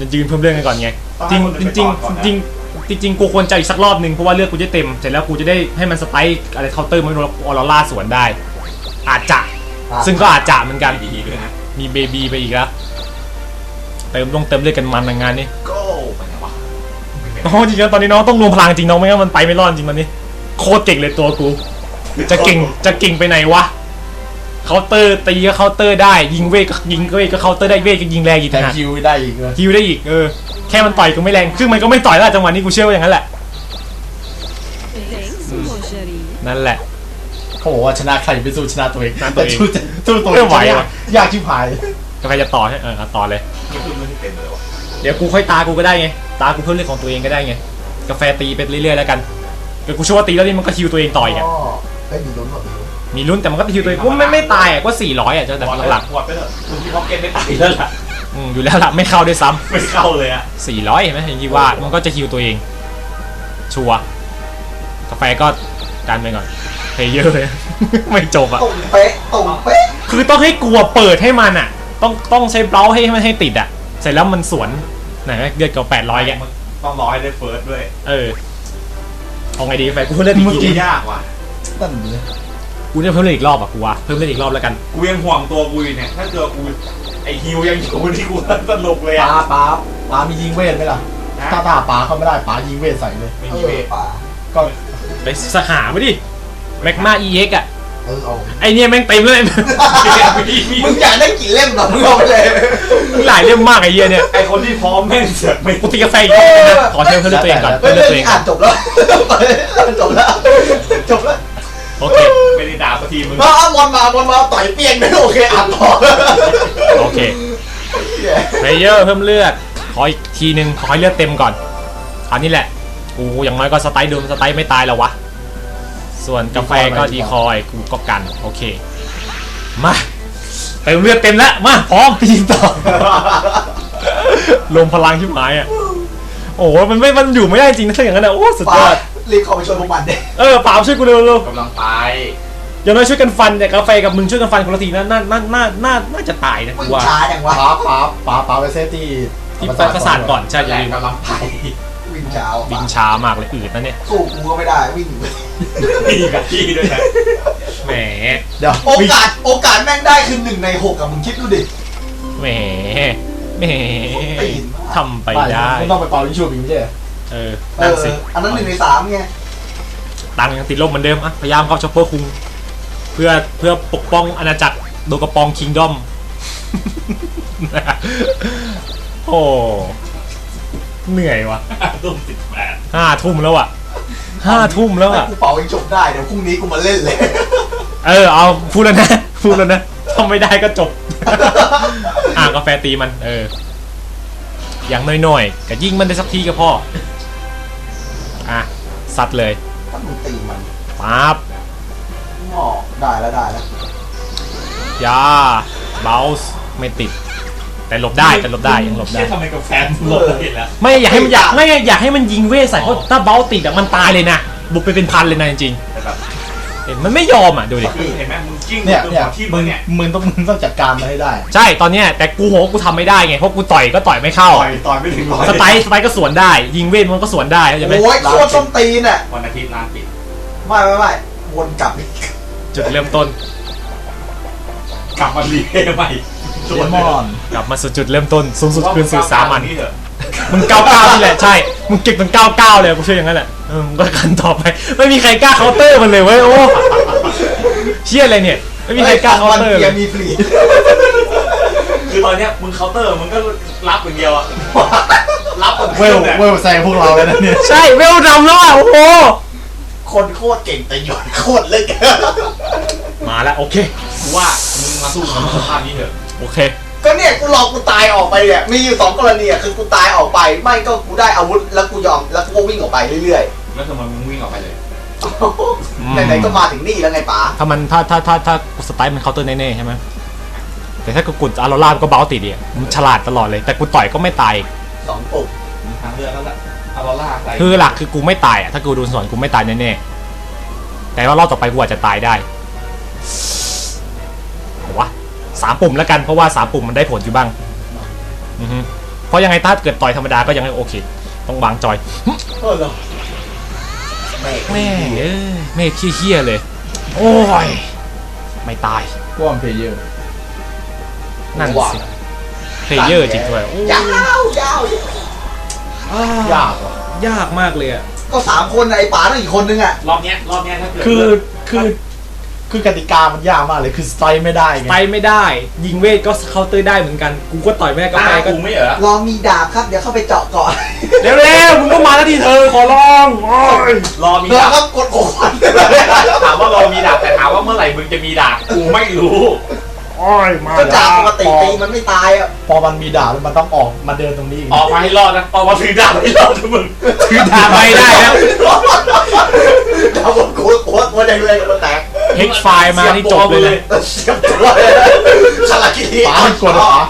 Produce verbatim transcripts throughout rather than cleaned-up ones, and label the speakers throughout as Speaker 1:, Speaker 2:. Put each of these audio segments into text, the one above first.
Speaker 1: มันยืนเพิ่มเรื่องกันก่อนไงจริงจริงจริงจริงจริงจริงกูควรจะอีกสักรอบนึงเพราะว่าเลือดกูจะเต็มเสร็จแล้วกูจะได้ให้มันสไปค์อะไรเคาน์เตอร์มันออโรร่าสวนได้อาจจะซึ่งก็อาจจะเหมือนกันมีเบบีไปอีกแล้วเติมลงเติมเลือดกันมันในงานนี้น้องจริงๆตอนนี้น้องต้องรวมพลังจริงน้องไม่งั้นมันไปไม่รอดจริงมันนี่โคตรเก่งเลยตัวกูจะเก่งจะเก่งไปไหนวะเคาน์เตอร์ตีก็เคาน์เตอร์ได้ยิงเวทก็ยิงเวทก็เคาน์เตอร์ได้เวทก็ยิงแรงอีก
Speaker 2: แต่
Speaker 1: นะ
Speaker 2: คิวได้อีกเลย
Speaker 1: ฮิวได้อีกเออแค่มันต่อยก็ไม่แรงซึ่งมันก็ไม่ต่อยแล้วจังหวะนี้กูเชื่อว่าอย่างนั้นแหละนั่นแหละ
Speaker 2: เขาบอกว่าชนะใครไปสู้ชนะตัวเอง
Speaker 1: ชนะตัวเอง
Speaker 2: แต่สู้ตัวเองยากชิบหาย
Speaker 1: ก็ใครจะต่อใช่เออต่อเลยเดี๋ยวกูค่อยตากูก็ได้ไงตากูเพิ่มเรื่องของตัวเองก็ได้ไงกาแฟตีไปเรื่อยๆแล้วกันเดี๋ยวกูเชื่อว่าตีแล้วนี่มันก็ฮิวตัวเองต่อยอ่ะ
Speaker 3: ได้มีลุ้นหรอ
Speaker 1: มีลุ้นแต่มันก็ฮิวตัวเองกูไม่ไม่ตายอ่ะก็สี่ร้อยอ่ะเจ้าแต่หลัก
Speaker 4: หมดไปเถอะคุณที่พ็อกเก็ตไม่ตายแล้วล่ะ
Speaker 1: อืมอยู่แล้วล่ะไม่เข้าด้วยซ้ำ
Speaker 4: ไม่เข้าเลยอ่ะ
Speaker 1: สี่ร้อยเห็นไหมเห็นที่ว่ามันก็จะฮิวตัวเองชัวร์กาแฟก็ดันไปก่อนเพย์เยอร์เลย ไม่จบอ่ะ
Speaker 3: ตรงเป๊ะตรงเป๊ะ
Speaker 1: คือต้องให้กลัวเปิดให้มันอ่ะต้องต้องใช้เบราให้มันให้ติดอ่ะเสร็จแล้วมันสวนไหนเดือดกับแปดร้อยแก
Speaker 4: ต้องรอให้ได้เฟิร์สด้วย
Speaker 1: เออเอาไงดีแฟนกูเล่นอีกที
Speaker 4: ยากว่ะ
Speaker 2: นั่นเลย
Speaker 1: กูเนี่ยเพิ่มเล่นอีกรอบอ่ะกูว่าเพิ่มเล่นอีกรอบแล้วกัน
Speaker 4: กูยังห่วงตัวกูอยู่เนี่ยถ้าเจอกูไอฮิวยังอยู่ที่กูสนุกเลย
Speaker 2: ป้า
Speaker 4: อ่ะ
Speaker 2: ป้าป้ามียิงเวทไหมล่ะถ้าป้าป้าเขาไม่ได้ป้ายิงเวทใส่เลย
Speaker 4: ไม่
Speaker 3: เอ
Speaker 4: มี
Speaker 3: อ
Speaker 4: เวท
Speaker 3: ป่า
Speaker 2: ก็
Speaker 1: ไปสหามาดิแม็กมา อี เอ็กซ์ อ่ะ
Speaker 3: เออเอา
Speaker 1: ไอเนี่ยแม่งเต็มเลย
Speaker 3: มึงอยากได้กี่เล่มหรอมึงเอาไปเลย
Speaker 1: หลายเล่มมากไอเหี้ยเนี่ย
Speaker 4: ไอคนที่พร้อมแม่งเสือกไม่
Speaker 1: กูตีกาแฟอีกรอบนึงนะขอเชิญเพื่อนตัวเองก่อน
Speaker 3: เฮ้
Speaker 1: เพื่
Speaker 3: ย
Speaker 1: อน
Speaker 3: เรื่อง
Speaker 1: ตัวเอง
Speaker 3: นี้
Speaker 1: ก่
Speaker 3: อ่า
Speaker 1: อน
Speaker 3: นจบแล้วจบแล้วจบแล้ว
Speaker 1: โอเค
Speaker 4: ไม่ได้ด่าสักทีมึง
Speaker 3: มาเอาบอลมาบอลมาต่อยเปียงเลยโอเคอ่านต่อ
Speaker 1: โอเคเพลเยอร์เพิ่มเลือดขออีกทีนึงขอให้เลือดเต็มก่อนคราวนี้แหละกูอย่างน้อยก็สไตล์เดิมสไตล์ไม่ตายแล้ววะส่วนกาแฟก็ดีคอยกูก็กันโอเคมาเติมเลือดเต็มแล้วมาพร้อมไปยิงต่อลมพลังชิบหายอ่ะโอ้โหมันไม่มันอยู่ไม่ได้จริงนะถ้าอย่างนั้นอ่ะโอ้สุดยอด
Speaker 3: รีบเข้าไปช่วยพวกมันเด็
Speaker 1: เออป๋าช่วยกูเร็วเร็ว
Speaker 4: กำลังไป
Speaker 1: อย่างน้อยช่วยกันฟันแต่กาแฟกับมึงช่วยกันฟันคนละทีน่าน่าน่าน่าน่าน่าจะตายนะ
Speaker 3: มึ
Speaker 1: กู
Speaker 3: ง
Speaker 1: ว่า
Speaker 3: ช้าจังวะ
Speaker 2: ป้าป้าป้าป้าไปเซฟที่
Speaker 1: ที่ไปประสานก่อนใช่อย่า
Speaker 4: แรง
Speaker 1: ลืม
Speaker 4: กำลังไป
Speaker 3: วิ่งช้า
Speaker 1: บินช้ามากเลยอืดนะเนี่ย
Speaker 3: สู้กูก็ไม่ได้วิ่ง
Speaker 4: พี่กับพี่ด้วยนะ
Speaker 1: แหม
Speaker 2: เดี๋ยว
Speaker 3: โอกาสโอกาสแม่งได้คือหนึ่งในหกกับมึงคิดดูดิ
Speaker 1: แหมแหมทำไปได้
Speaker 2: ไม่ต้องไปเป่าลิงชูบิงไม่ใช่
Speaker 1: เออ
Speaker 3: เอ
Speaker 1: นั่น
Speaker 3: อ
Speaker 1: สิ
Speaker 3: อันนั้นหนึ่งในสามไง
Speaker 1: ตังค์ยังติดลบเหมือนเดิมอ่ะพยายามเข้าช็อปเปอร์คุงเพื่อเพื่อปกป้องอาณาจักรโดกระปองคิงดอม โอ้เหนื่อยวะ
Speaker 4: ตุ้มสิบแปด
Speaker 1: ห้าทุ่มแล้วอ่ะห้าทุ่มแล้วอ่ะ
Speaker 3: กูเป่าเองจบได้เดี๋ยวพรุ่งนี้กูมาเล่นเลย
Speaker 1: เออเอาพูดแล้วนะพูดแล้วนะทำไม่ได้ก็จบ อ่ะกาแฟตีมันเอออย่างน้อยๆก็ยิงมันได้สักทีก็พออ่ะซัดเลย
Speaker 3: ถ้ามึงตีมัน
Speaker 1: ปั๊บ
Speaker 3: งอได้แล้วได้แล้ว
Speaker 1: ยาเบลส์ไม่ติดแต่หลบได้แต่หลบได้ยังหลบได้
Speaker 4: เชี่ยทำไมกับแฟนหลบเห็นแล้ว
Speaker 1: ไม่อยากให้มันอยากไม่อยากให้มันยิงเวทใส่เพราะถ้าเบลติดอะมันตายเลยนะบุกไปเป็นพันเลยนะจริง
Speaker 4: แต่แบบ
Speaker 1: ๆเห็นมันไม่ยอมอ่ะดูดิ
Speaker 4: เห็นไหมมึงจิ้ง
Speaker 2: เนี่ย
Speaker 4: ตัว
Speaker 2: เนี่ย
Speaker 4: ที่
Speaker 2: มึ
Speaker 4: มึ
Speaker 2: ง
Speaker 4: งเนี่ย
Speaker 2: มึงต้องมึงต้องจัดการมันให้ได้
Speaker 1: ใช่ตอนเนี้ยแต่กูโหกูทำไม่ได้ไงเพราะกูต่อยก็ต่อยไม่เข้า
Speaker 4: ต่อยต่อยไม่ถึงร้อย
Speaker 1: สไตล์สไตล์ก็สวนได้ ยิงเวทมันก็สวนได้เข้าใจไหม
Speaker 3: โอ้ยโคตรส้มตีนอ่ะ
Speaker 4: วันอาทิตย์ร้านปิด
Speaker 3: ไม่ไม่ไม่วนกลับอีก
Speaker 1: จุดเริ่มต้น
Speaker 4: กลับมารีเทใหม่
Speaker 2: เดมอน
Speaker 1: กลับมาสู่จุดเริ่มต้นสูงสุดคืนสู่สามัญ
Speaker 4: นี่เถอะ
Speaker 1: มึงเก้าเก้านี่แหละใช่มึงเก็บมันเก้าเก้าเลยกูเชื่ออย่างนั้นแหละเออมึงก็กันต่อไปไม่มีใครกล้าเคาน์เตอร์มันเลยเว้ยโอ้เชี่ยอะไรเนี่ยไม่มีใครกล้าเคาน์เตอร์
Speaker 3: เกี
Speaker 1: เลย
Speaker 3: ร์มีฟรี
Speaker 4: คือตอนเนี้ยมึงเคาน์เตอร์มึงก็รับอย่างเดียวอะรับคน
Speaker 2: เวลเวลแซงพวกเราเลยนะเนี่ย
Speaker 1: ใช่เวลดำแล้วอ่ะโอ้โห
Speaker 3: คนโคตรเก่งแต่หยดโคตรเล็ก
Speaker 1: มาแล้วโอเค
Speaker 4: กูว่ามึงมาสู้กับสภาพนี้เถอะ
Speaker 1: โอเค
Speaker 3: ก็เนี่ยกูรอกูตายออกไปเนี่ยมีอยู่สองกรณีอ่ะคือกูตายออกไปไม่ก็กูได้อาวุธแล้วกูยอมแล้วกูก็วิ่งออกไปเรื่อย
Speaker 4: แล้วทำไมมึงวิ่งออกไปเลย
Speaker 3: ๆไหนๆก็มาถึงนี่แล้วไงป๋า
Speaker 1: ถ้ามันถ้าถ้าถ้าถ้าสไตล์มันเคาน์เตอร์แน่ๆใช่ไหมแต่ถ้ากูกดอารอล่าก็เบาติดดิมันฉลาดตลอดเลยแต่กูต่อยก็ไม่ตาย
Speaker 3: สองปุ่ม
Speaker 4: มีทางเลือกแล้วแหละเอาลอล่าใส่
Speaker 1: คือหลักคือกูไม่ตายอ่ะถ้ากูโดนสวนกูไม่ตายแน่ๆแต่ว่ารอบต่อไปกูอาจจะตายได้โหวะสามปุ่มแล้วกันเพราะว่าสามปุ่มมันได้ผลอยู่บ้างอือฮึเพราะยังไงถ้าเกิดต่อยธรรมดาก็ยังไงโอเคต้องวางจอย
Speaker 3: เออเหรอแม่
Speaker 1: แม่งเอ้ยเมฆเฮี้ยๆเลย โอ้ยไม่ตาย
Speaker 2: พวกเพลเยอร์
Speaker 1: นั่นสิเพลเยอร์จริงด้วยโอ้ย
Speaker 3: ยาวยาวย
Speaker 2: ากว่ะ
Speaker 1: ยากมากเลยอ่ะ
Speaker 3: ก็สามคนไอ้ป๋าต้องอีกคนนึงอ่ะ
Speaker 4: รอบเนี้ยรอบเนี้ยถ้าเกิด
Speaker 2: คือคือคือกติกามันยากมากเลยคือสไตล์ไม่ได้ไง
Speaker 1: ไปไม่ได้ ยิงเวทก็เคาน์เตอร์ได้เหมือนกัน กูก็ต่อยแม่ก็
Speaker 4: ตา
Speaker 1: ไปก็
Speaker 4: กูไม่เหรอ
Speaker 3: ลองมีดาบครับเดี๋ยวเข้าไปเจาะก่อน
Speaker 1: เร็วๆมึงก็มาแล้วที่เธอขอร้องโอ้ย
Speaker 4: รอมี
Speaker 3: แล้
Speaker 4: ดาว บ
Speaker 3: ก็กดโอน
Speaker 4: ถามว่ารอมีดาบแต่ถามว่าเมื่อไหร่มึงจะมีดาบกูไม่รู้
Speaker 1: โอ้ยมา
Speaker 3: ก็ดาบปกติตีมันไม่ตายอ่ะ
Speaker 2: พอมันมีดาบแล้วมันต้องออกมาเดินตรงนี้อีก
Speaker 4: ออกมาให้รอดนะออกมาถือดาบให้รอดนะมึง
Speaker 1: ถือดาบไม่ได้นะ
Speaker 3: ดาบกดโคตรโคตรแรงเลยมันแตก
Speaker 1: เฮกไฟล์มานี่จบเลยนะ
Speaker 3: เสียบตัวเลยคาราคิรี
Speaker 2: ป๋ามันกดเหรอ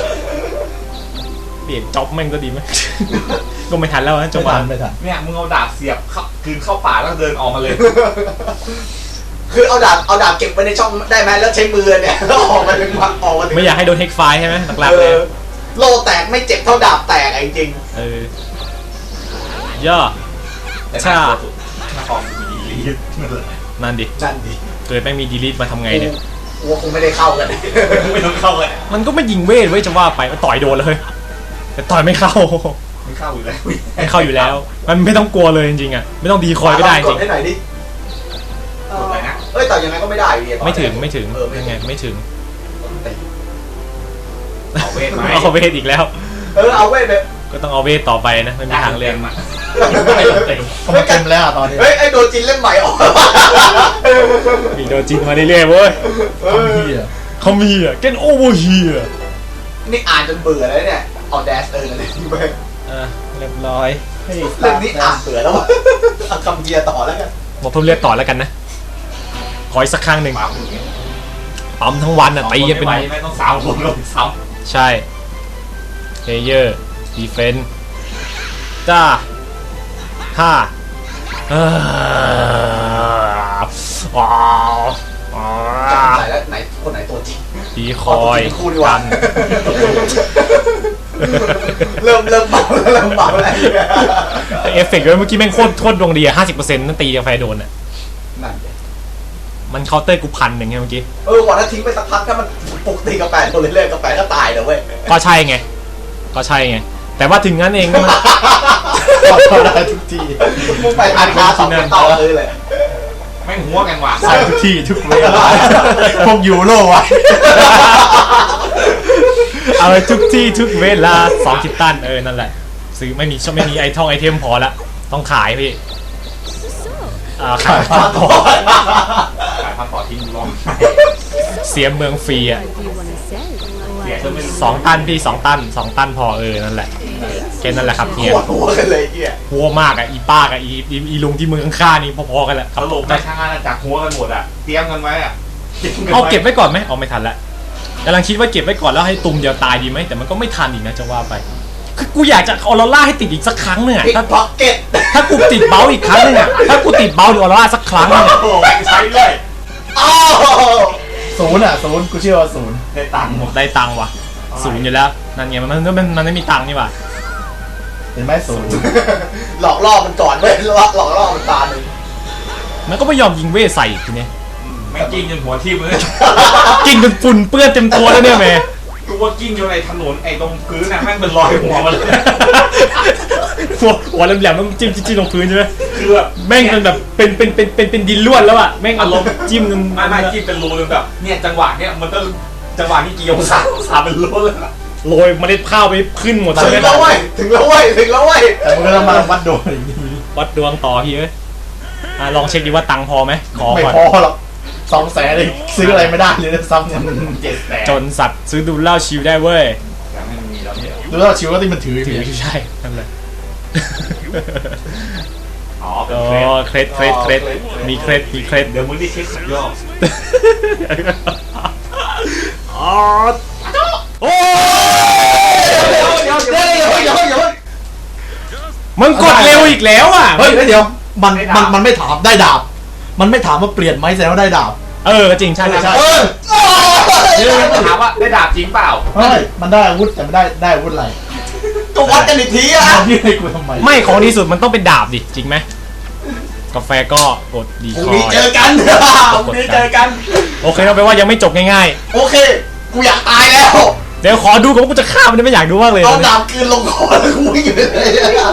Speaker 1: เปลี่ยนจ็อบแม่งก็ดีไหม ก็ไม่ทันแล้วนะจังห
Speaker 2: ไม่
Speaker 1: วะ
Speaker 2: ทันไม่ทัน
Speaker 4: เนี่ยมึงเอาดาบเสียบเข้าคืนเข้าป่าแล้วเดินออกมาเลย
Speaker 3: คือเอาดาบเอาดาบเก็บไว้ในช่องได้ไหมแล้วใช้มือเนี่ยแล้วออกมาถึงออกมาถึง
Speaker 1: ไม่อยากให้โดนเฮกไฟล์ใช่ไหมหลักๆ
Speaker 3: เอ
Speaker 1: เลย
Speaker 3: อโลแตกไม่เจ็บเท่าดาบแตกอะจริง
Speaker 1: เออย่อ
Speaker 4: แต่
Speaker 1: ใช่
Speaker 4: หน้าตัวหน้าคอมมีลีดนั่นแหละ
Speaker 1: นั่นดิ
Speaker 3: ๆนั่นดิ
Speaker 1: เกิดแม่งมีดีลิทมาทำไงเนี่ย
Speaker 3: กูว่าคงไม่ได้เข้ากัน
Speaker 4: ไม่ต้องเข้าเลย
Speaker 1: มันก็ไม่ยิงเวทไว้ยจะว่าไปมันต่อยโดนเลย แต่ต่อยไม่เข้า
Speaker 4: ไม่เข้าอยู่แล้ว
Speaker 1: ไม่เข้าอยู่แล้ว มันไม่ต้องกลัวเลยจริงๆอ่ะ ไม่ต้องดีคอยก็ได้จ
Speaker 3: ก
Speaker 1: ริ
Speaker 3: ด
Speaker 1: ง
Speaker 3: ให้หน่อยดิ
Speaker 4: กดไปนะ
Speaker 3: เอ้ยแต่ยังไงก็ไม่ได้อยู่ดี
Speaker 1: ไม่ถึงไม่ถึง
Speaker 3: เออไม่
Speaker 1: ยัง
Speaker 3: ถึ
Speaker 1: ไง
Speaker 3: ง
Speaker 1: ไม่ถึง
Speaker 4: เอาเวทไหม
Speaker 1: เอาเวทอีกแล้ว
Speaker 3: เออเอาเว้ยแบบ
Speaker 1: ก็ต้องเอาเวทต่อไปนะไม่มีทางเลือก
Speaker 4: อ่ะ
Speaker 2: เพราะมันเต็มแล้วอะตอนนี้
Speaker 3: เฮ้ยไอ้โดนจินเล่มใหม่ออก
Speaker 1: มีโดนจินมาเรื่อยๆเว้ย
Speaker 2: ทำเหี้ย
Speaker 1: เขามีอ่ะ get over here
Speaker 3: นี่อ่านจนเบื่อแล้วเนี่ยเอาแดสเออนั่นเองไป
Speaker 1: อ่ะเรียบร้อย
Speaker 2: เฮ้ย
Speaker 3: เรื่องนี้อ่านเบื่อแล้วเอาคำเดียต่อแล้วกัน
Speaker 1: บอกเพิ่มเลือดต่อแล้วกันนะ ขออีกสักครั้งหนึ่ง
Speaker 4: ปั๊มอย่างเงี้ย
Speaker 1: ปั๊มทั้งวันอ่ะตีกันเป็น
Speaker 4: ไม่ไหวไม่ต้องสาวคนลงซ้
Speaker 1: ใช่เพลเยอร์ดีเฟนจ้าห้าเอ้อว้าวว้า
Speaker 3: จำ
Speaker 1: ว
Speaker 3: ไหนแล้วไหนคนไหนตัวจริง
Speaker 1: ดีคอย
Speaker 3: คู่ดีกว่า
Speaker 1: กัน
Speaker 3: เริ่มเริ่มเบาแล้วเริ่มเบาแล้ว
Speaker 1: เอฟเฟกต์ด้วยเมื่อกี้แม่งโคตรโคตรดวงดีอะห้าสิบเปอร์เซ็นต์นั่นตีกาแฟโดนอะ
Speaker 3: นั่นดิ
Speaker 1: มันเคาน์เตอร์กูพันหนึ่งไงเมื่อกี้
Speaker 3: เออวันนั้นทิ้งไปสักพักถ้ามันปกติกาแฟโดนเรื่อยๆกาแฟก็ตายนะเว้ย
Speaker 1: ก็ใช่ไง ก็ใช่ไง แต่ว่าถึงงั้นเองก็มัน
Speaker 2: เข้าได้ทุกที
Speaker 3: มึงไปทานคาสองไปต่อเลยเลย
Speaker 4: ำแม่งหัวกันว่ะ
Speaker 2: ใส่ทุกที่ทุกเวลาพวกยูโรไว้
Speaker 1: เอาไปทุกที่ทุกเวลาสองคิตตันเออนั่นแหละซื้อไม่มีชอบไม่มีไอทองไอเทมพอละต้องขายพี่อ่าขาย
Speaker 2: ขาย
Speaker 1: ต่อ
Speaker 4: ขายพันต่อทิ้งร้อง
Speaker 1: เสียเมืองฟรีอ่ะ
Speaker 5: Do you want to sell?
Speaker 4: เสียจนไม่รู้
Speaker 1: สองตันพี่สองตันสองตันพอเออนั่นแหละแค่นั้นแหละครับเฮีย
Speaker 3: ปวดหัวกันเลยเฮีย
Speaker 1: หัวมากอ่ะอีป้ากับอีอีอีลุงที่เมืองข้างๆนี่พอๆกันแหละค
Speaker 4: ส
Speaker 1: รับ
Speaker 4: รุปในทางอาณาจักรหัวกันหมดอ่ะเตรียมกันไว้อ่ะ
Speaker 1: เอาเก็บไว้ก่อนไหมเอาไม่ทันละกำลังคิดว่าเก็บไว้ก่อนแล้วให้ตุ่มเดียวตายดีไหมแต่มันก็ไม่ทันอีกนะจะว่าไปคือกูอยากจะออโรล่าให้ติดอีกสักครั้งหนึงอะ
Speaker 3: พิก
Speaker 1: ถ้า
Speaker 3: พ็อกเก็ต
Speaker 1: ถ้ากูติดเบลอีกครั้งหนึงอะถ้ากูติดเบลหรือออโรล่าสักครั้งหนึงอะ
Speaker 4: โอ้โหใช้เลย
Speaker 3: อ้าว
Speaker 2: ศูนย์อ่ะศูนย์กูเชื่อว่าศูนย์
Speaker 4: ได้ตังค์หมด
Speaker 1: ได้ตังค์ว่ะศูนย์อยู่แล้วนั่นไงมันมันมันมันไม่มีตังค์นี่ว่ะ
Speaker 2: เห็นไหมศูนย์
Speaker 3: หลอกล่อมันก่อนเว้ยหลอกหลอกล่อมันตาหนึ่ง
Speaker 1: มันก็ไม่ยอมยิงเวทใส่อีกทีเนี้ย
Speaker 4: แม่งกิ้งจนหัวทิ่มเลย
Speaker 1: กิ้งจนฝุ่นเปื้อนเต็มตัวแล้วเนี่ยแม่
Speaker 4: กูว่ากิ้งอยู่ในถนนไอ้ตรงพื้นน่ะแม่งเป็นรอยหัวมันเลย
Speaker 1: หัวหัวแหลมๆต้องจิ้มจิ้มลงพื้นใช่ไหม
Speaker 4: คือแบบ
Speaker 1: แม่งมันแบบเป็นเป็นเป็นเป็นเป็นดินล้วนแล้วอะแม่งอารมณ์จิ้มจน
Speaker 4: ไม่ไม่กิ้งเป็นรูเลยแบบเนี่ยจังหวะเนี่ยมันก็จังหวะที่กี่องศาองศาเป็นรูเลยนะ
Speaker 1: โรยเมล็ดข้าวไปขึ้นหมด
Speaker 3: ถึ
Speaker 1: ใช่
Speaker 3: ง
Speaker 1: ไหม
Speaker 3: แล้วเว้ยถึงแล้วเว้ยถึงแล้วเว้ย
Speaker 2: แต่มึงก็ต้องมาวัดโดนอีกที
Speaker 1: วัดดวงต่อพี่เอ้ยอ่ะลองเช็คดีว่าตังค์พอไหมขอ
Speaker 2: ไม่
Speaker 1: ก่อน
Speaker 2: พอหรอกสองแสนเลยซื้ออะไรไม่ได้เลยนะซ้ำเนี่ย
Speaker 4: เจ็ดแสน
Speaker 1: จนสัตว์ซื้อดูเหล้าชิวได้เว้ย
Speaker 4: ยังไม่มีแล้วเนี่ย
Speaker 2: ดูแล้วชิวก็ที่มันถือ
Speaker 1: ถื
Speaker 2: ถื
Speaker 1: อ
Speaker 2: อ
Speaker 1: ใช่นั่นแหละ
Speaker 4: อ๋อเป็
Speaker 1: อ๋
Speaker 4: น
Speaker 1: อ
Speaker 4: เครด
Speaker 1: เครดเครดเครดมีเครดมีเครด
Speaker 4: เดี๋ยวมึงได้เช็คสุดยอด
Speaker 1: อ๋อโอ้
Speaker 3: เดี๋ยวเดี๋ยวเดี๋ยวเดี๋ยวเดี๋ยว
Speaker 1: มึงกดเร็วอีกแล้วอ่ะ
Speaker 2: เฮ้ยเดี๋ยวมันมันมันไม่ถามได้ดาบ มันไม่ถามว่าเปลี่ยนไหมแสดงว่าได้ดาบ
Speaker 1: เออจริงใช่ใช่
Speaker 3: เออ
Speaker 4: เดี๋ยวถามว่าได้ดาบจริงเปล่า
Speaker 2: เฮ้ยมันได้อาวุธแต่ไม่ได้ได้อาวุธอะไร
Speaker 3: ก็วัดกันอีกทีอะ
Speaker 2: มายื่นให้กูทำไม
Speaker 1: ไม่ของดีสุดมันต้องเป็นดาบดิจริงไหมกาแฟก็กดดี
Speaker 3: พรุ่ง
Speaker 1: คอ
Speaker 3: นี้
Speaker 1: ย
Speaker 3: เจอกันพรุ่งนี้เจอกัน
Speaker 1: โอเคเราไปว่ายังไม่จบง่าย
Speaker 3: โอเค กูอยากตายแล้ว
Speaker 1: ๆเดี๋ยวขอดูก่อนว่ากูจะฆ่ามันได้ไม่อยากดูมากเลย
Speaker 3: เอาดาบคืนลงคอแล้วกูวิ่งไปเลย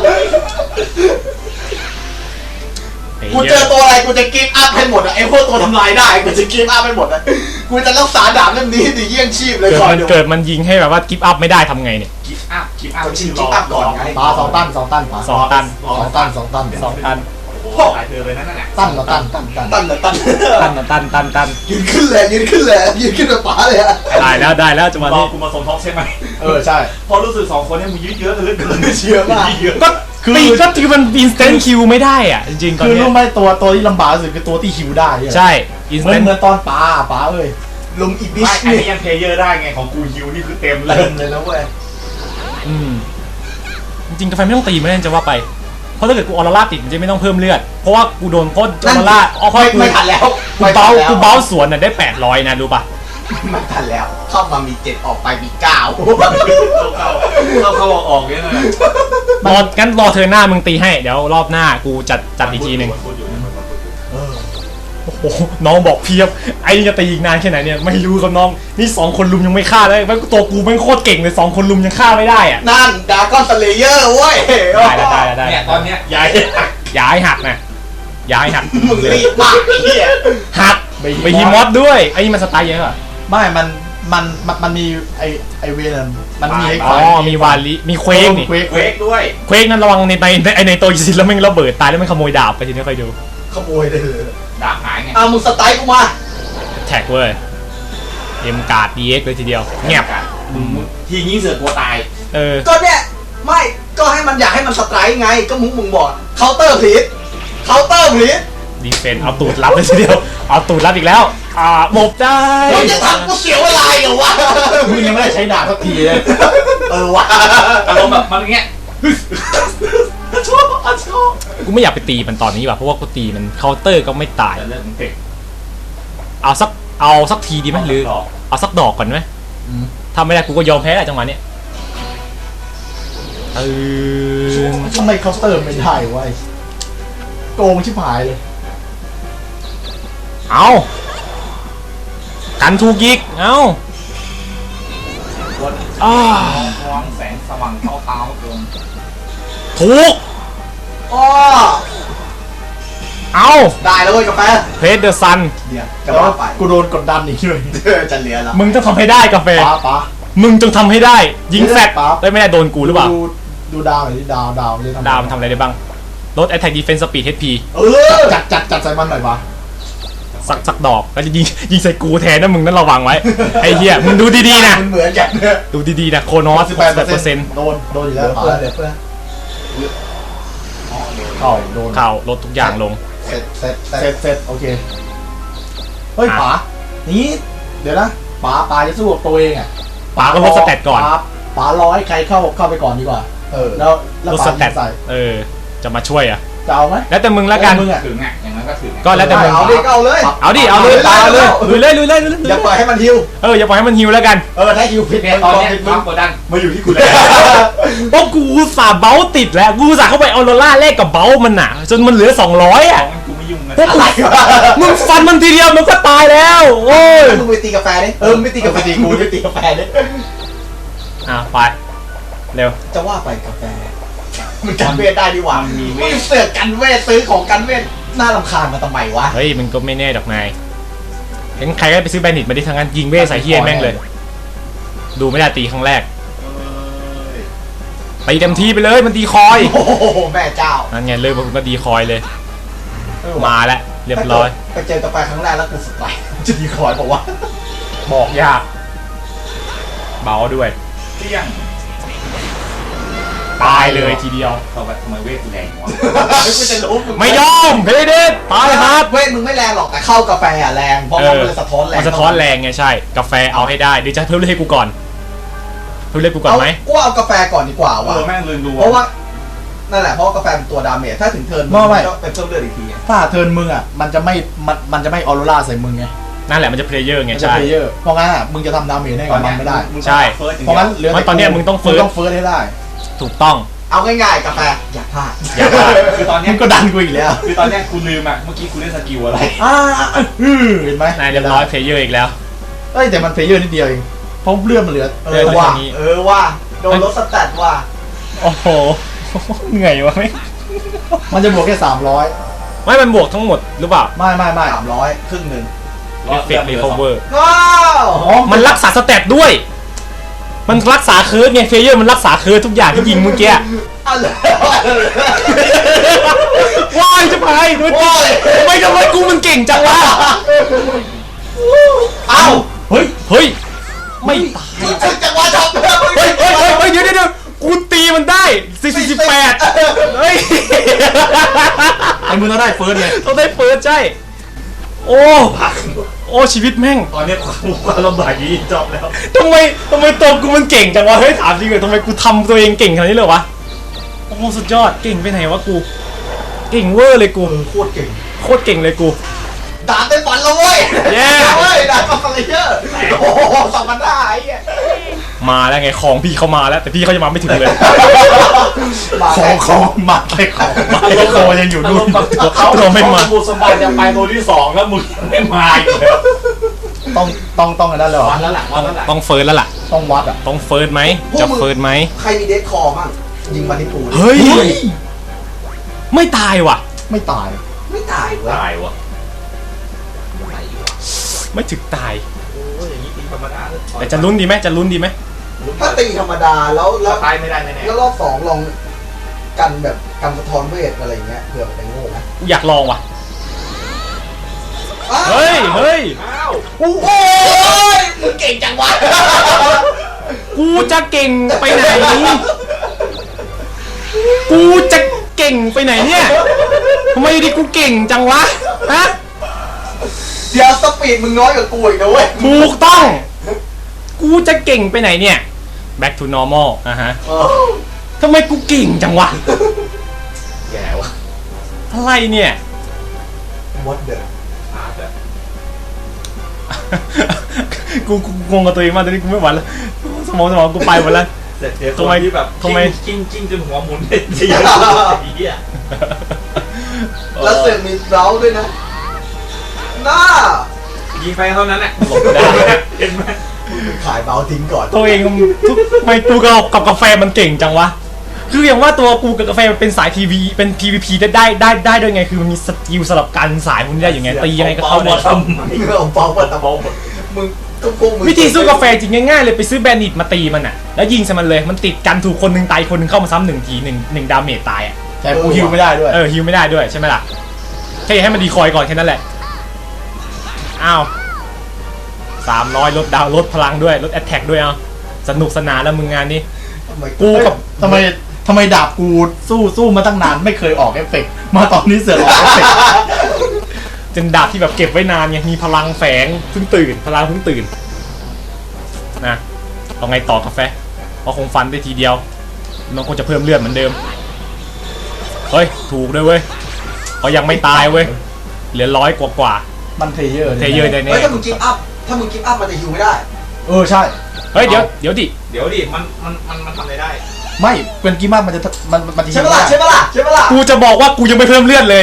Speaker 1: ไอ้
Speaker 3: กู
Speaker 1: เหี้
Speaker 3: เจ
Speaker 1: ย
Speaker 3: อตัวอะไรกูจะกิฟต์อัพให้หมดอะไอ้พวกตัวทำลายได้กูจะกิฟต์อัพให้หมดอะกูจะรักษาดาบเล่มนี้ให้ดีเยี่ยงชีพเลย
Speaker 1: เกิด
Speaker 3: ก่อน
Speaker 1: มัน
Speaker 3: เดี๋ยว
Speaker 1: เกิดมันยิงให้แบบว่ากิฟต์อัพไม่ได้ทำไงเนี่ย
Speaker 4: กิฟต์อัพกิฟต์อัพ
Speaker 3: กดชิงกิฟต์อัพก่อนไง
Speaker 2: ปลาสองตันสองตันปลา
Speaker 1: สองตัน
Speaker 2: สองตันสองตัน
Speaker 1: สองตัน
Speaker 4: โอ้โหหลายเธอเลยนั่นน่ะ
Speaker 2: ตันละตันตันตัน
Speaker 3: ตันเหรอตัน
Speaker 1: ตันนะตันตันตัน
Speaker 3: ยืนขึ้นเลยยืนขึ้นเลยยืนขึ้นแบบป๋าเลยอะ
Speaker 1: ได้แล้วได้แล้วจังหวะ
Speaker 4: รอ
Speaker 1: นี้
Speaker 4: กูมาสมทบใช่ไหม
Speaker 2: เออใช่
Speaker 4: พอรู้สึกสองคนเนี่ยมึงยืดเยอะกันเหลือเกิน
Speaker 3: เชื่อมาก
Speaker 4: ยืดเยอะ
Speaker 1: ก็ตีก็คือมันอินสแตนต์คิวไม่ได้อ่ะจริงๆตอน
Speaker 2: คือ
Speaker 1: เนี้
Speaker 2: รู้
Speaker 1: ย
Speaker 2: ไหมตัวตัวที่ลำบากที่สุดคือตัวที่หิวได้เนี่ย
Speaker 1: ใช่อินส
Speaker 2: เหมื
Speaker 1: แต
Speaker 2: อน
Speaker 1: นต์
Speaker 2: เหมือนตอนปลาปลาเอ้ย
Speaker 3: ลุงอีบิ
Speaker 4: ไม่
Speaker 3: ช
Speaker 4: อัน
Speaker 3: นี่
Speaker 4: นี้ยังเพลเยอร์ได้ไงของกูฮิวนี่คือเต็มเล
Speaker 3: เติ
Speaker 4: ย
Speaker 3: มเลยนะเว้ย
Speaker 1: อืมจริงๆกาแฟไม่ต้องตีมันเลยจะว่าไปเพราะถ้าเกิดกูออร่าติดมันจะไม่ต้องเพิ่มเลือดเพราะว่ากูโดนโคตรออร่าอ๋อเพราะ
Speaker 3: ไม่
Speaker 1: กู
Speaker 3: ไม่ทันแล้ว
Speaker 1: กูเบากูเบาสวนน่ะได้แปดร้อยนะรู้ป่ะ
Speaker 3: ไม่ทันแล้ว เข้ามามีเจ็ดออกไปมีเก้า
Speaker 4: เข้าเข้าออกออกเนี่ยนะ
Speaker 1: รองั้นรอเธอหน้ามึงตีให้เดี๋ยวรอบหน้ากูจัดจัดอีกทีหนึ่ง
Speaker 4: พูดอยู่นะ
Speaker 1: โอ้โหน้องบอกเพียบไอ้นี่จะตีอีกนานแค่ไหนเนี่ยไม่รู้ครับน้องนี่สองคนลุมยังไม่ฆ่าเลยแม่งตัวกูแม่งโคตรเก่งเลยสองคนลุมยังฆ่าไม่ได้อ่ะ
Speaker 3: นั่นดาก้อนสเลเยอร์เว้ย
Speaker 1: ได้แล้วได้แล้วได้
Speaker 4: เนี่ยตอนเนี้ยยาย
Speaker 1: อย่าให้หักนะอย่าให้หัก
Speaker 3: มึงรีบมากไอ้เหี้ย
Speaker 1: หักไปฮิมอสด้วยไอ้นี่มันสไตล์เยอะอ่ะ
Speaker 2: ไม่มันมันมันมันมีไอไอเวรนมันมีไอ้
Speaker 1: อ๋อมีวาลิมีเควกนี่
Speaker 2: เควก
Speaker 4: เควกด้วย
Speaker 1: เควกนั้นระวังในในในไอในตัวยินแล้วแม่งระเบิดตายแล้วแม่งขโมยดาบไปทีนี้ค่อยดู
Speaker 3: ขโมยได้เลย
Speaker 4: ดาบหายไง
Speaker 3: อ่ะมึงสไตล์กูมา
Speaker 1: แท็กเว้ยเอ็มการ์ดดีเอ็กเลยทีเดียวเงียบ
Speaker 4: มึงทีนี้เสือกลัวตาย
Speaker 1: เออ
Speaker 3: ก็เนี่ยไม่ก็ให้มันอยากให้มันสไตล์ไงก็มึงมึงบอกเคาน์เตอร์พลีสเคาน์เตอร์พลีส
Speaker 1: ดีเฟนเอาตูดรับเลยทีเดียวเอาตูดรับอีกแล้วอ่าหมบได้
Speaker 3: มึงจะทำกูเสียเวลาเหรอวะ
Speaker 2: มึงยังไม่ได้ใช้ดาบสักทีเลย
Speaker 3: เออวะ
Speaker 4: อารมณ์แบบมันอย่างเงี้ยชอบชอบ
Speaker 1: กูไม่อยากไปตีมันตอนนี้ว่ะเพราะว่ากูตีมันเคาน์เตอร์ก็ไม่ตาย
Speaker 4: แต่เรื่องของเด็ก
Speaker 1: เอาสักเอาสักทีดีไหมหรือ
Speaker 4: ดอก
Speaker 1: เอาสักดอกก่อนไหม
Speaker 2: อืม
Speaker 1: ถ้าไม่ได้กูก็ยอมแพ้แหละจังหวะเนี้ยเออ
Speaker 2: ทำไมเคาน์เตอร์ไม่ได้วะไอ้โกงชิบหายเลย
Speaker 1: เอากันทูกิกเอา
Speaker 4: คน
Speaker 1: อ้าม
Speaker 4: องแสงสว่างเท้าเท้าเกิน
Speaker 1: ถูก
Speaker 3: อ๋อ
Speaker 1: เอา
Speaker 3: ได้แล้วเว้ยกาแฟ
Speaker 1: เพรสเดอร์ซัน
Speaker 3: เดี๋ยว
Speaker 2: แต่
Speaker 3: จะ
Speaker 2: ว่า
Speaker 3: ว่าไป
Speaker 2: กูโดนกดดันอีกเลย
Speaker 3: เออจะเหลือแล้ว
Speaker 1: มึงต้องทำให้ได้กาแฟ
Speaker 2: ป้าป้า
Speaker 1: มึงจงทำให้ได้ ยิงแฟด
Speaker 2: ปั๊บ
Speaker 1: ได้ไม่ได้โดนกูหรือเปล่า
Speaker 2: ดูดูดาวหน่อยดิดาวดาวเลย
Speaker 1: ดาวมันทำอะไรได้บ้างลด attack defense speed เอช พี
Speaker 3: เออ
Speaker 2: จัดจัดจัดใส่มันหน่อยปะ
Speaker 1: สักสักดอกแล้วจะยิงยิงใส่กูแทนนะมึงนั่นระวังไว้ ไอ้เหี้ยมึงดูดีๆนะ
Speaker 3: มันเหมือนกันเนี่ย
Speaker 1: ดูดีๆนะโคโนอส
Speaker 2: สิ
Speaker 1: สิ
Speaker 2: บบ แป
Speaker 1: แป
Speaker 2: ด
Speaker 1: ด
Speaker 2: เป
Speaker 1: เป
Speaker 2: อ
Speaker 1: อ
Speaker 2: ร์
Speaker 1: ร์
Speaker 2: เซ็
Speaker 1: เซ็
Speaker 2: น
Speaker 1: น
Speaker 2: ต์
Speaker 1: ต์
Speaker 2: โดนโดนอยู่
Speaker 3: เห
Speaker 2: แล้
Speaker 3: ลื
Speaker 2: ว
Speaker 3: อเพื่อนเหลือเพื่อน
Speaker 2: เข้าโดน
Speaker 1: เข่าลดทุกอย่างลง
Speaker 3: เสร็จเสร็จเสร็
Speaker 2: เสร็
Speaker 3: จ
Speaker 2: จเสร็จโอเคเฮ้ย
Speaker 1: อ่ะ
Speaker 2: ป๋านี้เดี๋ยวนะป๋าป๋าจะสู้กับตัวเองอ่ะ
Speaker 1: ป๋าก็ลดสเตตก่อน
Speaker 2: ป๋าป๋าร้อยใครเข้าเข้าไปก่อนดีกว่า
Speaker 3: เออ
Speaker 2: แล้วแล้ว
Speaker 1: ลด
Speaker 2: ป๋า
Speaker 1: สเต
Speaker 2: ยิ
Speaker 1: ต
Speaker 2: งใส่
Speaker 1: เออจะมาช่วยอ่ะ
Speaker 2: จะเอาไหม
Speaker 1: แล้วแต่มึงละกัน
Speaker 2: มึงอ่ะ
Speaker 4: ถึงอ่ะอย่างนั้นก็ถึงอะ
Speaker 1: ก็แล้วแต่มึง
Speaker 3: เอาดิก็เอาเลย
Speaker 1: เอาดิเอาเลย
Speaker 3: เอา
Speaker 1: เอา
Speaker 3: เล
Speaker 1: เลย ยลุยเลยลุยเลยลุยเลย
Speaker 3: อย่าปล่อยให้มันฮิว
Speaker 1: เอออย่าปล่อยให้มันฮิวแล้วกัน
Speaker 2: เออถ้าคิวผิด
Speaker 4: เนี่ยตอนเนี้ยความกดดันมาอยู่ที่กูแล้ว
Speaker 1: เพราะกูอุตสาห์เบ้าติดแล้วกูอุตสาห์เข้าไปเอาโรล่าแรกกับเบ้ามันน่ะจนมันเหลือสองร้อย
Speaker 4: ข
Speaker 1: อ่ะ
Speaker 4: องกูไม่ยุ่งนะ
Speaker 1: พวกกูมึงฟันมันทีเดียวมันก็ตายแล้วโอ้ย
Speaker 3: มึงไปตีกาแฟดิเออมึงไม่ตีกาแฟ
Speaker 2: ตีกูจะตีกาแฟดิ
Speaker 1: อ่ะไปเร็ว
Speaker 3: จะว่าไปกาแฟมันกันเวทได้ดีกว่า
Speaker 4: มันมีเว
Speaker 3: มึง
Speaker 4: ท
Speaker 3: เสือกกันเวทซื้อของกันเวทน่ารำคาญมาทำไมวะ
Speaker 1: เฮ้ยมันก็ไม่แน่ดอกนายเห็นใครก็ไปซื้อแบนดิตมาดิทางนั้นยิงเวทใส่เฮียแม่งเลย ดูไม่ได้ตีครั้งแรกตีเต็มที่ไปเลยมันตีคอย
Speaker 3: โอ้โหแม่เจ้า
Speaker 1: นั่นไงเลยมันก็ดีคอยเลย มาแล้วเรียบร้อย
Speaker 3: ไปเจอกาแฟครั้งแรกแล้วกูสไตล์จะดีคอยบอกว่า
Speaker 1: บอกยากเบาด้วย
Speaker 4: เที่ยง
Speaker 1: ตายเลยทีเดียว
Speaker 4: ทำไมทำไมเวทกูแรงวะ
Speaker 3: กูจะรู้ง
Speaker 1: ไม่ยอมเพเดตตายครับ
Speaker 3: เวทมึงไม่แรงหรอกแต่เข้ากาแฟอะแรงเพราะว่ามันเลยสะท้อนแรง
Speaker 1: มันสะท้อนแรงไงใช่กาแฟเอาให้ได้เดี๋ยวจะเพิ่มเลือดให้กูก่อนเพิ่มเลือดกูก่อนไหม
Speaker 3: กูเอากาแฟก่อนดีกว่า
Speaker 4: เอ
Speaker 3: ว่ะ
Speaker 4: อแม่งลืมดู
Speaker 3: เพราะว่านั่นแหละเพราะว่ากาแฟเป็นตัวดาเมจถ้าถึงเทิร์นมึงก็เป็นเพิ่มเลือดอีกที
Speaker 2: ถ้าเทิร์นมึงอ่ะมันจะไม่มันมันจะไม่ออโรราใส่มึงไง
Speaker 1: นั่นแหละมันจะเพลเยอร์ไง
Speaker 2: มันจะ
Speaker 1: ใช่
Speaker 2: เพลเยอร์เพราะงั้นอ่ะมึงจะทำดาเมจให้กับมันไม่ได้
Speaker 1: ใช่
Speaker 2: เพราะงั้นเหลือ
Speaker 1: เพราะตอนเนี้ยมึงต้องเฟิร์ส
Speaker 2: ต้องเฟิร์สให้ได้
Speaker 1: ถูกต้อง
Speaker 3: เอาง่ายๆกาแฟอย่าพลาด
Speaker 1: อย่าพลาด
Speaker 4: คือตอนเนี้
Speaker 2: มึ
Speaker 4: ย
Speaker 2: งก็ดันกูอีกแล้ว
Speaker 4: คือตอนเนี้ยกูลืมอ่ะเมื่อกี้กูเล่นสกิลอะไร
Speaker 2: อ่าอือเห็นไหม
Speaker 1: นายเรียบร้อยเพลเยอร์อีกแล้ว
Speaker 2: เอ้ยแต่มันเพลเยอร์นิดเดียวเองเพราะเลือดมันเหลือ
Speaker 3: เออว่าเออว่าโดนลดสแตทว่า
Speaker 1: โอ้โห เหนื่อยวะไม่
Speaker 2: มันจะบวกแค่สามร้อย
Speaker 1: ไม่มันบวกทั้งหมดหรือเปล่า
Speaker 2: ไม่ไม่ไม่
Speaker 3: สามร้อยครึ่งหนึ่ง
Speaker 1: เอฟเฟกต์รีคอเวอร์
Speaker 3: ว้าว
Speaker 2: อ๋อ
Speaker 1: มันรักษาสเตตด้วย มันรักษาเคิร์ดไงเพลเยอร์มันรักษาเคิร์ดทุกอย่างที่ยิงเมื่อกี้
Speaker 3: อะไร
Speaker 1: ว้ายจะไปด้วยตีทำไมทำไมกูมันเก่งจังวะ
Speaker 3: เอ้า
Speaker 2: เฮ้ย
Speaker 1: เฮ้ย ไม่ตาย
Speaker 3: มึงถึงจังหวะช็อปแล้วมึง
Speaker 1: เฮ้ยเฮ้ยเฮ้ยเฮ้ยเดี๋ยวเดี๋ยวเดี๋ยวกูตีมันได้สี่สิบแปดเฮ้ย
Speaker 2: ไอ้มึงต้องได้เฟิร์สไง
Speaker 1: ต้องได้เฟิร์สใช่ โอ้ โอ้ชีวิตแม่ง
Speaker 4: ตอนเนี้ยความความลำบากยี่จบแล้ว
Speaker 1: ทำไมทำไมตัวกูมันเก่งจังวะ เฮ้ยถามจริงเลยทำไมกูทำตัวเองเก่งขนาดนี้เลยวะ โอ้โหสุดยอด เก่งไปไหนวะกู เก่งเวอร์เลยกู
Speaker 3: เออโคตรเก่ง
Speaker 1: โคตรเก่งเลยกู
Speaker 3: ดาบได้ฝันแล้วเว้ย
Speaker 1: เย้
Speaker 3: เว้ยดาบมาฟังเลยเยอะโอ้โหสองพันได้ไอ้เหี้ย
Speaker 1: มาแล้วไงของพี่เขามาแล้ว แต่พี่เขายังมาไม่ถึงเลย
Speaker 3: มา
Speaker 2: ของของมาแค่ของมาแค่ของยังอยู่นู่น
Speaker 4: เขา
Speaker 1: เราไม่มา
Speaker 4: บุสมบัติจะไปตัวที่สองแล้วมึงไม่มาอีกแล้ว
Speaker 2: ต้องต้องต้องอันนั้นเลยเหรอ
Speaker 4: วันแล้วหลังวันแล้วหลัง
Speaker 1: ต้องเฟิร์สแล้วล่ะ
Speaker 2: ต้องวัดอ่ะ
Speaker 1: ต้องเฟิร์สไหมจะเฟิร์สไหม
Speaker 3: ใครมีเดทคอร์มั่งยิงมาที่ปู
Speaker 1: เฮ้ย ไม่ตายว่ะ
Speaker 2: ไม่ตาย
Speaker 3: ไม่ตายเว้ย
Speaker 4: ตายวะ
Speaker 1: ไม่ถึงตาย
Speaker 4: โอ้ยอย่างนี้ตีธรรมดาเลย
Speaker 1: แต่จะลุ้นดีไหมจะลุ้นดีไหม
Speaker 3: ถ้าตีธรรมดาแล้วแล้ว
Speaker 4: ตายไม่ได้แน่
Speaker 3: แล้วรอบสองลองกันแบบกันสะท้อนเวทอะไรเงี้ยเผื่อมันจะโง่ไหม
Speaker 1: อยากลองว่ะ
Speaker 3: อ้าว
Speaker 1: เฮ้ย เฮ้ย
Speaker 4: ๆอ้าว
Speaker 3: โอ้โหมึงเก่งจังวะ
Speaker 1: กูจะเก่งไปไหน กูจะเก่งไปไหนเนี่ยทำไมอยู่ดีกูเก่งจังวะ ฮะ
Speaker 3: เดี๋ยวสปีดมึงน้อยกว่ากูอีกนะเว้ย
Speaker 1: ถูกต้อง กูจะเก่งไปไหนเนี่ย back to normal นะฮะ
Speaker 3: เออ
Speaker 1: ทำไมกูเก่งจังวะ
Speaker 4: แย่วะ
Speaker 1: อะไรเนี่ย
Speaker 3: What the
Speaker 4: อาจจะ
Speaker 1: กูกูงงกับตัวเองมากตอนนี้กูไม่ไหวแล้ว สมองสมองกูไปหมดแล้ว
Speaker 4: เสร็จเดี๋ยว
Speaker 1: ทำไม
Speaker 4: ที่แบบ
Speaker 1: ทำไม
Speaker 4: กิ้งกิ้งจนหัวหมุนเป็นเสียไอ้เหี้ย
Speaker 3: แล้วเสือกมีเร้าด้วยนะหน้า
Speaker 4: ยิงไปเท่านั้นแหละ
Speaker 1: หลบได้
Speaker 4: เห็นไหม
Speaker 3: ขายเบาทิ้งก่อน
Speaker 1: ตัวเองทุกทำไมกูกับกับกาแฟมันเก่งจังวะ คืออย่างว่าตัวกูกับกาแฟมันเป็นสาย พี วี เป็น พี วี พี ได้ได้ได้ได้ด้วยไง คือมันมีสกิลสลับกันสายพวกนี้ได้อย่างไงตียังไงก็เข้าได้
Speaker 4: ทำไม
Speaker 3: มึงเอาเบาหมดแต่เบาหมดมึงก็พวกมึง
Speaker 1: วิธีสู้กาแฟจริงง่ายๆเลยไปซื้อแบนดิตมาตีมันอ่ะ แล้วยิงใส่มันเลย มันติดกันถูกคนหนึ่งตายคนหนึ่งเข้ามาซ้ำหนึ่งทีหนึ่งหนึ่งดาเมจตายอ่ะ
Speaker 2: แต่กูฮิวไม่ได้ด้วย
Speaker 1: เออฮิวไม่ได้ด้วยใช่ไหมล่ะ แค่อย่าให้มันดีคอยก่อนแค่นั้นแหละ อ้าวสามร้อยลดดาวลดพลังด้วยลดแอตแทกด้วยเอาสนุกสนานแล้วมึงงานนี้
Speaker 3: ทำไม
Speaker 1: กูกับ
Speaker 2: ทำไมทำไมดาบกูสู้สู้มาตั้งนานไม่เคยออกเอฟเฟกต์มาตอนนี้เสือกออกเอฟเฟกต์
Speaker 1: จนดาบที่แบบเก็บไว้นานไงมีพลังแฝงเพิ่งตื่น พลังเพิ่งตื่นนะเอาไงต่อกาแฟเพราะคงฟันได้ทีเดียวมันคงจะเพิ่มเลือดเหมือนเดิมเฮ้ยถูกด้วยเว้ยเขายังไม่ตายเว้ยเหลือร้อยกว่ากว่า
Speaker 2: มันเพลเยอร์
Speaker 1: เทเยอร์ได้
Speaker 3: เฮ้ย
Speaker 1: แน่
Speaker 3: ถ้ามึงกิฟต์อัพถ้ามึงกิฟต์อัพมันจะฮิวไม่ได้
Speaker 2: เออใช่
Speaker 1: เฮ้ยเดี๋ยวเดี๋ยวดิ
Speaker 4: เดี๋ยวดิมันมันมันมันทำอะไรได้
Speaker 2: ไม่เป็นกีมามันจะมันมันจะ
Speaker 3: ใช่ปะล่ะใช่ปะล่ะใช่ปะล่ะ
Speaker 1: กูจะบอกว่ากูยังไม่เพิ่มเลือดเลย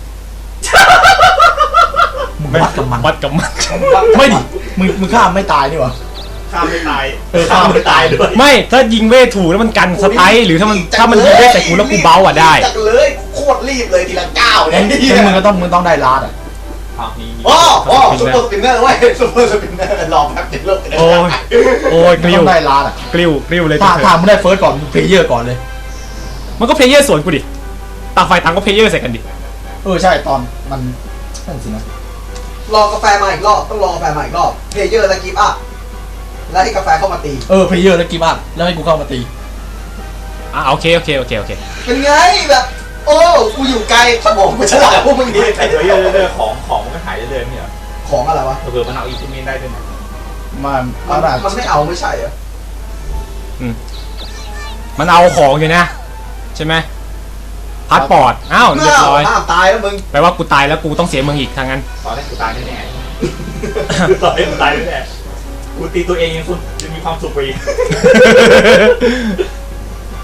Speaker 2: มึงวัดกับมัน
Speaker 1: วัดกับมัน
Speaker 2: ไม่ดิมึงมึงฆ่าไม่ตายนี่หว่า
Speaker 4: ข้ามไม่ตาย
Speaker 2: เออฆ่าไม่ตายด้วย
Speaker 1: ไม่ถ้ายิงเวทถูกแล้วมันกันสไตล์หรือถ้ามันถ้ามันยิงเวทใส่กูแล้วกูเบาอ่ะได้
Speaker 3: จักเลยโคตรรีบเลยทีละก้าวเล
Speaker 2: งั้
Speaker 3: ย
Speaker 2: นงั้นมึงก็ต้องมึงต้องได้ลาดอ่ะ
Speaker 4: อ้าวนี่นี่
Speaker 3: โอ้โอ้ซุปเปอร์สปินเนอร์เว้ยซุปเปอร์สปินเนอร์ลองแป๊บเดียวโลก
Speaker 1: โอ้ยโอ้ยก
Speaker 2: มึง
Speaker 1: ริ้
Speaker 2: ต้
Speaker 1: ว
Speaker 2: องได้ลาดอ่ะ
Speaker 1: กริ้วกริ้วเลย
Speaker 2: ถ้า
Speaker 1: เถ
Speaker 2: ถ้า
Speaker 1: อะ
Speaker 2: มึงได้เฟิร์สก่อนเพลเยอร์ก่อนเลย
Speaker 1: มันก็เพลเยอร์สวนกูดิต่างฝ่ายต่างก็เพลเยอร์ใส่กันดิ
Speaker 2: เออใช่ตอนมันนั่นสินะ
Speaker 3: รอกาแฟมาอีกรอบต้องรอกาแฟมาอีกรอบเพลเยอร์และกิฟต์อัพแล้วให้กาแฟเข้ามาตี
Speaker 2: เออเพลเยอร์แล้วกีมาแล้วให้กูเข้ามาตี
Speaker 1: อ่ะโอเคโอเคโอเคโอเค
Speaker 3: เป็นไงแบบโอ้กูอยู่ไกลสมองกูฉลาดพวกมึงดี
Speaker 4: แต่เดี๋ยวเรื่อยๆของของมันก็หายเรื่อยๆเนี่ย
Speaker 3: ของอะไรวะ
Speaker 4: เผื่อมันเอาอีกที่มีได้ด้วยนะ
Speaker 2: มัน
Speaker 3: มั
Speaker 2: มัน นอาจ
Speaker 3: มันไม่เอาไม่ใช่เหรอ
Speaker 1: มันเอาของอยู่นะใช่ไหมพาสปอร์ตอ้าวเรียบร้อย
Speaker 3: ห้ามตายแล้วมึง
Speaker 1: แปลว่ากูตายแล้วกูต้องเสียเมืองอีกทางนั้น
Speaker 4: ตอนแรกกูตายแน่ๆตอนแรกกูตายแน่ๆกูตีตัวเองยังคุณจะมีความสุขไปอีก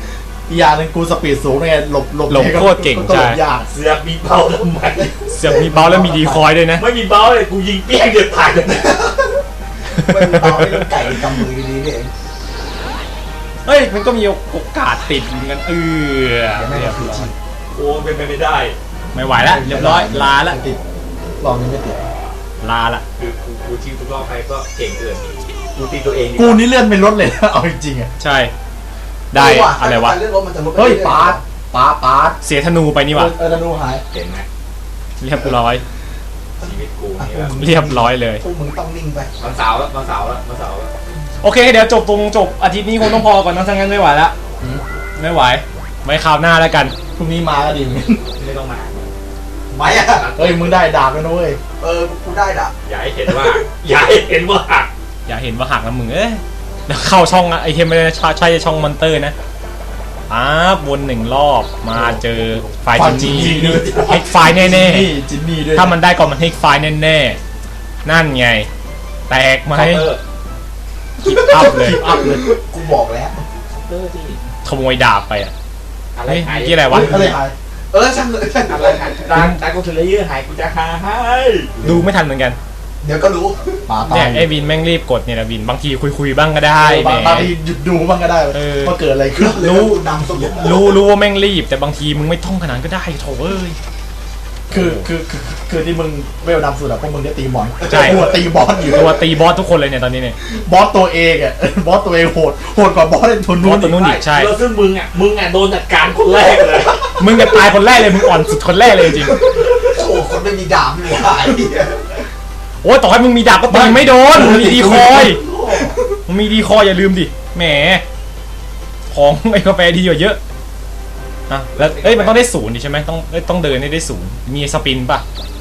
Speaker 2: อีกอย่างหนึงกูสปีดสูงไงหลบหลบ
Speaker 1: หลบโคตรเก่ง
Speaker 2: ก็หล
Speaker 1: ใช่
Speaker 2: บยาก
Speaker 4: เสือกมีเบาทำไม
Speaker 1: เสือกมีเบาแล้วมีดีคอยด้วยนะ
Speaker 4: ไม่มีเบาเลยกูยิงเปี้ยงเดียวตายเลย
Speaker 3: ไม่มีเบาไม่ต้องไก่กำมือดีๆนี่เอง
Speaker 1: เฮ้ยมันก็มีโอกาสติดเหมือนกันเออ
Speaker 3: เดี๋ยวแม่ง
Speaker 1: เรียบ
Speaker 3: คือ
Speaker 1: ร้อ
Speaker 3: ชี
Speaker 1: ย
Speaker 3: พ
Speaker 4: โอ้เป็นไปไม่ได้
Speaker 1: ไม่ไหวแล้วเรียบร้อยลาละ
Speaker 2: ไม่ติดรอบนี้ไม่ติด
Speaker 1: ลาละ
Speaker 4: คือกูกูชิวทุกรอบไปก็เก่งเกินกูตีตัวเอง
Speaker 2: กูนี่เลื่อนไม่ลดเลยนะเอาจริงๆอ่ะ
Speaker 1: ใช่ได้
Speaker 3: ว่
Speaker 1: อะไรวะ
Speaker 3: ถ้าการเลือกรถมันจะลดไป
Speaker 2: เฮ้ย
Speaker 3: รื่อๆ
Speaker 2: ปาร์ตปาร์ตปาร์ต
Speaker 1: เสียธนูไปนี่หวะ
Speaker 2: เออธนูหาย
Speaker 4: เห็นไหม
Speaker 1: เรียบร้อย
Speaker 4: ชีวิตกูนี่แบบ
Speaker 1: เรียบร้อยเลย
Speaker 3: พวกมึงต้องนิ่งไป
Speaker 4: วันเสาร์แล้ววันเสาร์แล้ววันเสาร์แล้ว
Speaker 1: โอเคเดี๋ยวจบตรงจบอาทิตย์นี้คงต้องพอก่อนนะถ้างั้นไม่ไหวละไม่ไหวไว้คราวหน้าแล้วกัน
Speaker 2: พรุ่งนี้มาก็ดีเหมือนกัน
Speaker 4: ไม่ต้องมา
Speaker 3: ไม่อะ
Speaker 2: เฮ้ยมึงได้ดาบแล้วนะเว้ย
Speaker 3: เออกูได้ด่ะ
Speaker 4: อย่าให้เห็นว่า อย่าให้เห็นว่าหัก
Speaker 1: อย่าเห็นว่าหักนะมึงเอ้ยเดี๋ยวเข้าช่องไอเทมไม่ได้นะใช่ช่องมอนเตอร์นะอ้าวนหนึ่งรอบมาเจอไฟล์จินนี่เฮกไฟล์แน่
Speaker 2: จินนี่จินนี่ด้วย
Speaker 1: ๆถ้ามันได้ก่อนมันเฮกไฟล์แน่ๆนั่นไงแตกไหม
Speaker 4: เคาน์เตอร์
Speaker 1: คิปอัพเลย
Speaker 2: อัพเลย
Speaker 3: กูบอกแล้ว
Speaker 4: เคาน์เตอร์ที่
Speaker 1: ขโมยดาบไปอ่ะ
Speaker 4: อะไร
Speaker 1: เฮ้ย
Speaker 4: หาย
Speaker 1: เมื่อกี้อะไรวะ
Speaker 2: อะไรหาย
Speaker 3: เออช่างเลยช่าง
Speaker 4: อะไรหายร้านร้านกูเทเลเยอร์หายกูจะหาให้
Speaker 1: ดูไม่ทันเหมือนกัน
Speaker 3: เดี๋ยวก็รู้
Speaker 2: ปาตา
Speaker 1: เนี่ย
Speaker 2: ย
Speaker 1: ไอวินแม่งรีบกดเนี่ยนะวินบางทีคุยๆบ้างก็ได้
Speaker 2: เออ
Speaker 1: แหม
Speaker 2: บางบางทีหยุดดูบ้างก็ได้
Speaker 1: เออ
Speaker 2: ว่าเกิดอะไรขึ้น
Speaker 1: รู้
Speaker 3: นำสมุด
Speaker 1: รู้รู้ว่าแม่งรีบแต่บางทีมึงไม่ท่องขนาดนั้นก็ได้โถเอ้ย
Speaker 2: คือคือคือคือที่มึงเวลดำสุดอะพวกมึงได้ตีบอล
Speaker 1: ใช่
Speaker 2: หัวตีบอสอยู่
Speaker 1: ตัวตีบอสทุกคนเลยเนี่ยตอนนี้เนี่ย
Speaker 2: บอสตัวเองอะ บอสตัวเองโหดโหดกว่าบอสในทุน
Speaker 1: บ
Speaker 2: นู้
Speaker 1: อน สตัวนู้นอีกใช่
Speaker 4: แล้วซึ่งมึงอ่ะมึงอ่ะโดนจัดการคนแรกเลย
Speaker 1: มึงจะตายคนแรกเลยมึงอ่อนสุดคนแรกเลยจริง
Speaker 3: โอ้คนไม่มีดาบนี่หว่าไอ้เหี้ย
Speaker 1: ๆโอ้ยต่อให้มึงมีดาบก็ตีไม่โดนมึงมีดีคอยมึงมีดีคอยอย่าลืมดิแหมของไอ้กาแฟดีกว่าเยอะอ่ะแล้วเอ้ยมันต้องได้ศูนย์ดิใช่ไหมต้องเอ้ยต้องเดินให้ได้ศูนย์มีสปินป่ะ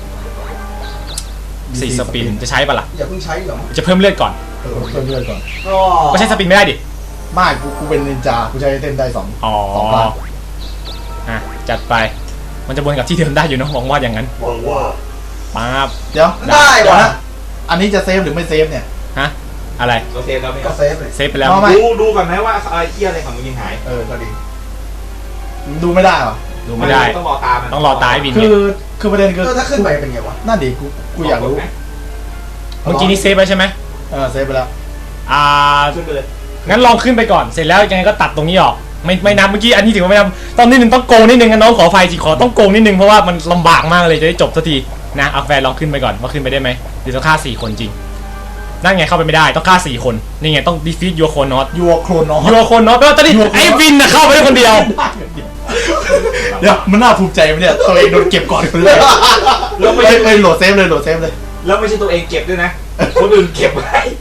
Speaker 1: สี่สปินจะใช้ป่ะล่ะ
Speaker 3: อย่าเพิ่งใช้หรอก
Speaker 1: จะเพิ่มเลือดก่อน
Speaker 2: เออเพิ่มเลือดก่อน
Speaker 3: ก็
Speaker 1: ก็ใช้สปินไม่ได้ดิ
Speaker 2: ไมากูกูเป็นนินจากูใช้เต้นได้สอง
Speaker 1: อ๋อ
Speaker 2: สองครั้ง
Speaker 1: อ่ะจัดไปมันจะวนกับที่เดิมได้อยู่เนอะหวังว่าอย่างนั้น
Speaker 3: บอกว่า
Speaker 1: ป๊าบ
Speaker 2: เดี๋ยว
Speaker 3: ได้
Speaker 2: เดี๋ยว
Speaker 3: วะ
Speaker 2: นะอันนี้จะเซฟหรือไม่เซฟเนี่ย
Speaker 1: ฮะอะไร
Speaker 4: เราเซฟแล้วไหม
Speaker 3: ก็เซฟเลย
Speaker 1: เซฟไปแล้ว
Speaker 2: เอาไหม
Speaker 4: ดูดูก่อนไหมว่าอะไรเที่ยอะไรของมึงยังหาย
Speaker 2: เออก็ดีดูไม่ได้เหรอ
Speaker 1: ดูไม่ได้
Speaker 4: ต้องรอตามัน
Speaker 1: ต้องรอตายวิน
Speaker 2: คื
Speaker 1: เนี่ย
Speaker 2: อคือประเด็นคือ
Speaker 3: เออถ้าขึ้นไปเป็นไงวะ
Speaker 2: นั่นดิกูกูอยากรู้
Speaker 1: เมื่อกี้นี้เซฟไปใช่ไหม
Speaker 2: เออเซฟไปแล้ว
Speaker 1: อ่า
Speaker 4: ขึ้นไปเลย
Speaker 1: งั้นลองขึ้นไปก่อนเสร็จแล้วยังไงก็ตัดตรงนี้ออกไม่ไม่นับเมื่อกี้อันนี้ถือว่าไม่นับตอนนี้หนึ่งต้องโกงนิดนึงนะน้องขอไฟจีขอต้องโกงนิดนึงเพราะว่ามันลำบากมากเลยจะได้จบสักทีนะเอาแฟนลองขึ้นไปก่อนว่าขึ้นไปได้ไหมหรือต้องฆ่าสี่คนจริงนั่นไงเข้าไปไม่ได้ต้องฆ่าสี่คนนี่ไงต้อง defeat your chronos
Speaker 2: ยัวโครนอส
Speaker 1: your chronos แปลว่าตอนนี้ไอ้วินน่ะเข้าไปได้คนเดียว
Speaker 2: เดี๋ยวมันน่าภูมิใจไหมเนี่ยตัวเองโดนเก็บก่อนคนแรก
Speaker 4: แล้วไม่
Speaker 2: เอ้
Speaker 4: ใช่
Speaker 2: ยเอ้ยโหลดเซฟเลยโหลดเซฟเลย
Speaker 4: แล้วไม่ใช่ตัวเองเก็บด้วยนะคนอื่นเก็บไว้